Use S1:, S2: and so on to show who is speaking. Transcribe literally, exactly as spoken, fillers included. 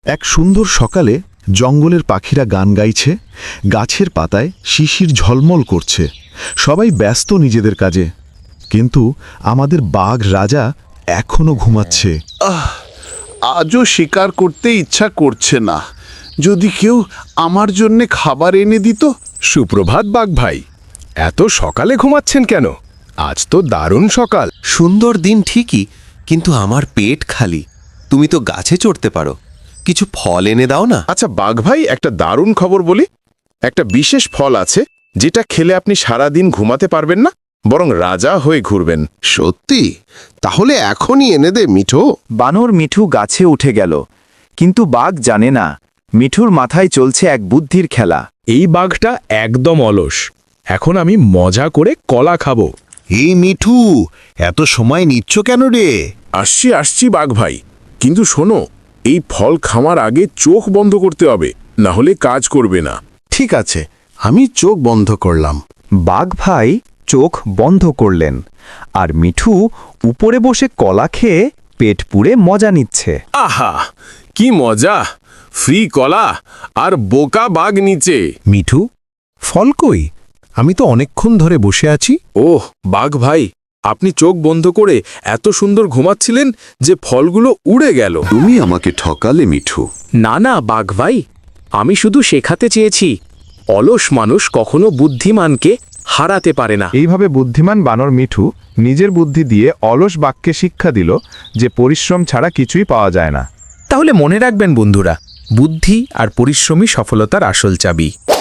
S1: এক সুন্দর সকালে জঙ্গলের পাখিরা গান গাইছে, গাছের পাতায় শিশির ঝলমল করছে, সবাই ব্যস্ত নিজেদের কাজে। কিন্তু আমাদের বাঘ রাজা এখনো ঘুমাচ্ছে।
S2: আহ আজও শিকার করতে ইচ্ছা করছে না। যদি কেউ আমার জন্যে খাবার এনে দিত।
S3: সুপ্রভাত বাঘ ভাই, এত সকালে ঘুমাচ্ছেন কেন? আজ তো দারুণ সকাল।
S4: সুন্দর দিন ঠিকই, কিন্তু আমার পেট খালি। তুমি তো গাছে চড়তে পারো, কিছু ফল এনে দাও না।
S5: আচ্ছা বাঘ ভাই, একটা দারুণ খবর বলি। একটা বিশেষ ফল আছে যেটা খেলে আপনি সারা দিন ঘুমাতে পারবেন না, বরং রাজা হয়ে ঘুরবেন।
S2: সত্যি? তাহলে এখনই এনে দে মিঠু।
S6: বানর মিঠু গাছে উঠে গেল, কিন্তু বাঘ জানে না মিঠুর মাথায় চলছে এক বুদ্ধির খেলা।
S3: এই বাঘটা একদম অলস। এখন আমি মজা করে কলা খাবো।
S7: এই মিঠু, এত সময় নিচ্ছ কেন রে?
S5: আসছি আসছি বাঘ ভাই, কিন্তু শোনো, এই ফল খাওয়ার আগে চোখ বন্ধ করতে হবে, না হলে কাজ করবে না।
S2: ঠিক আছে, আমি চোখ বন্ধ করলাম।
S6: বাঘ ভাই চোখ বন্ধ করলেন, আর মিঠু উপরে বসে কলা খেয়ে পেট পুড়ে মজা নিচ্ছে।
S5: আহা, কি মজা! ফ্রি কলা আর বোকা বাঘ নিচে।
S3: মিঠু, ফল কই? আমি তো অনেকক্ষণ ধরে বসে আছি।
S5: ওহ বাঘ ভাই, আপনি চোখ বন্ধ করে এত সুন্দর ঘুমাচ্ছিলেন যে ফলগুলো উড়ে গেল।
S2: তুমি আমাকে ঠকালে মিঠু।
S8: না না বাঘ ভাই, আমি শুধু শেখাতে চেয়েছি অলস মানুষ কখনো বুদ্ধিমানকে হারাতে পারে না।
S6: এইভাবে বুদ্ধিমান বানর মিঠু নিজের বুদ্ধি দিয়ে অলস বাঘকে শিক্ষা দিল যে পরিশ্রম ছাড়া কিছুই পাওয়া যায় না।
S8: তাহলে মনে রাখবেন বন্ধুরা, বুদ্ধি আর পরিশ্রমই সফলতার আসল চাবি।